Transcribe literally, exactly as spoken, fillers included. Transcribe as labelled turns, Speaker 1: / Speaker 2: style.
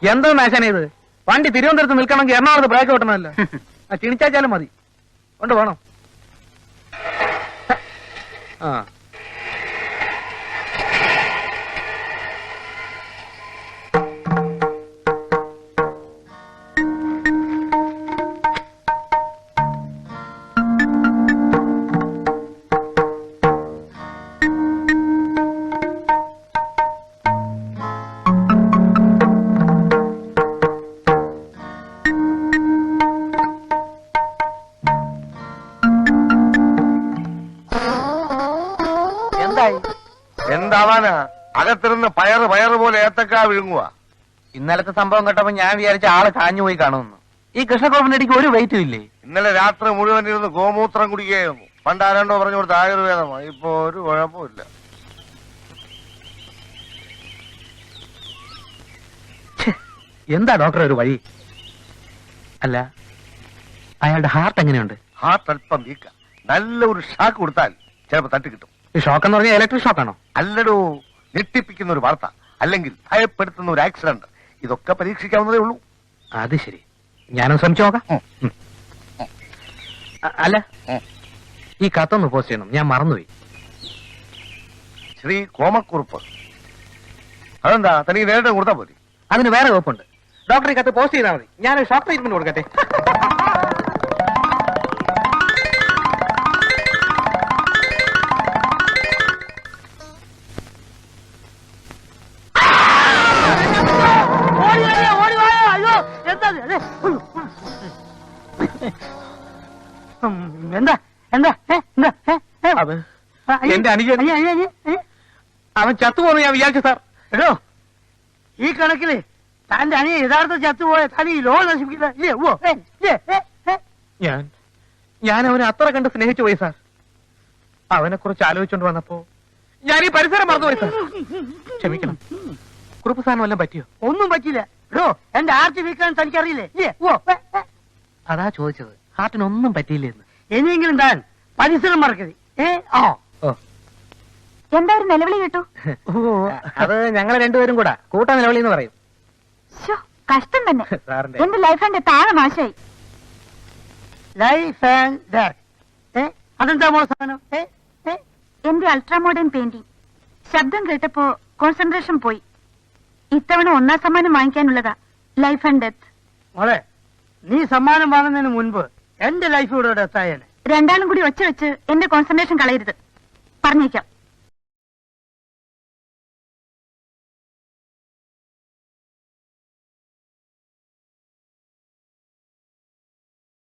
Speaker 1: എന്താ നാശാന ഇത്? വണ്ടി തിരുവനന്തപുരത്ത് നിൽക്കണമെങ്കിൽ എറണാകുളത്ത് ബ്രേക്ക് ഓട്ടണമല്ലോ. ക്ഷണിച്ചാച്ചാലും മതി. കൊണ്ട് പോണം. ആ
Speaker 2: എന്താവാനാ? അകത്തിരുന്ന് പയറ് പയറ് പോലെ ഏത്തക്കാ വിഴുങ്ങുക.
Speaker 1: ഇന്നലത്തെ സംഭവം കേട്ടപ്പോ ഞാൻ വിചാരിച്ച ആള് കാഞ്ഞു പോയി കാണുമെന്ന്. ഈ കൃഷ്ണഗോപന്റെ അടിക്ക് ഒരു വെയിറ്റും ഇല്ലേ?
Speaker 2: ഇന്നലെ രാത്രി മുഴുവൻ ഇരുന്ന് ഗോമൂത്രം കുടിക്കുകയായിരുന്നു. പണ്ട് ആരാണ്ടോ പറഞ്ഞു കൊടുത്ത ആയുർവേദമാണ്. ഇപ്പൊ ഒരു കുഴപ്പമില്ല.
Speaker 1: എന്താ ഡോക്ടർ ഒരു വഴി? അല്ല, അയാളുടെ ഹാർട്ട് എങ്ങനെയുണ്ട്?
Speaker 2: ഹാർട്ട് അല്പം വീക്ക. നല്ല ഒരു ഷാക്ക് കൊടുത്താൽ ചിലപ്പോ തട്ടി കിട്ടും.
Speaker 1: ഈ ഷോക്ക് എന്ന് പറഞ്ഞാൽ ഇലക്ട്രിക് ഷോക്കാണോ?
Speaker 2: അല്ലടോ, ഞെട്ടിപ്പിക്കുന്ന ഒരു വാർത്ത, അല്ലെങ്കിൽ ഭയപ്പെടുത്തുന്ന ഒരു ആക്സിഡന്റ്. ഇതൊക്കെ പരീക്ഷിക്കാവുന്നതേ ഉള്ളൂ.
Speaker 1: അത് ശരി, ഞാനും ശ്രമിച്ചു നോക്കാം. അല്ല, ഈ കത്തൊന്ന് പോസ്റ്റ് ചെയ്യണം, ഞാൻ മറന്നുപോയി.
Speaker 2: ശ്രീ കോമക്കുറുപ്പ്. അതെന്താ തനിക്ക് നേരിട്ട് കൊടുത്താൽ പോരെ?
Speaker 1: അതിന് വേറെ വകുപ്പുണ്ട്. ഡോക്ടർ ഈ കത്ത് പോസ്റ്റ് ചെയ്താൽ മതി. ഞാൻ ഷോക്ക് ട്രീറ്റ്മെന്റ് കൊടുക്കട്ടെ.
Speaker 3: എന്താ എന്താ
Speaker 1: എന്റെ അനുജൻ അവൻ ചത്തുപോന്ന് ഞാൻ വിചാരിച്ചു സാർ.
Speaker 3: എടോ, ഈ കണക്കില് തന്റെ അനിയ യഥാർത്ഥ ചത്തുപോയ തനി ഈ ലോകം നശിപ്പിക്കില്ല.
Speaker 1: ഞാൻ ഞാൻ അവനെ അത്ര കണ്ട് സ്നേഹിച്ചു പോയി സാർ. അവനെ കുറിച്ച് ആലോചിച്ചോണ്ട് വന്നപ്പോ ഞാൻ ഈ പരിസരം മറന്നുപോയി സാർ. ക്ഷമിക്കണം. കുറുപ്പ് സാറിന് വല്ലതും പറ്റിയോ?
Speaker 3: ഒന്നും പറ്റില്ല. എടോ, എന്റെ ആർച്ച് വീക്കാൻ തനിക്കറിയില്ലേ?
Speaker 1: അതാ ചോദിച്ചത്, ഹാർട്ടിനൊന്നും പറ്റിയില്ലെന്ന്.
Speaker 3: ഇനിയെങ്കിലും താൻ പരിസരം മറക്കരുത്. ഏ ആ
Speaker 4: എന്താ ഒരു നിലവിളി കേട്ടു?
Speaker 1: അത് ഞങ്ങൾ രണ്ടുപേരും കൂടാ കൂട്ടാ നിലവിളി എന്ന് പറയും.
Speaker 4: കഷ്ടം തന്നെ.
Speaker 1: സാറിന്റെ
Speaker 4: എന്റെ ലൈഫ് എന്റെ താഴെ നാശായി.
Speaker 3: Life and death. ഏ അതെന്താ മോളെ സാധനം?
Speaker 4: എന്റെ അൾട്രാ മോഡേൺ പെയിന്റിംഗ്. ശബ്ദം കേട്ടപ്പോ കോൺസെൻട്രേഷൻ പോയി. ഇത്തവണ ഒന്നാം സമ്മാനം വാങ്ങിക്കാനുള്ളതാ. Life and death.
Speaker 3: മോളെ, നീ സമ്മാനം വാങ്ങുന്നതിന് മുൻപ് എന്റെ ലൈഫ് ഇവിടെ ഡെത്തായേനെ.
Speaker 4: രണ്ടാളും കൂടി ഒച്ച വെച്ച് എന്റെ കോൺസെൻട്രേഷൻ കളയരുത്. പറഞ്ഞേക്കാം.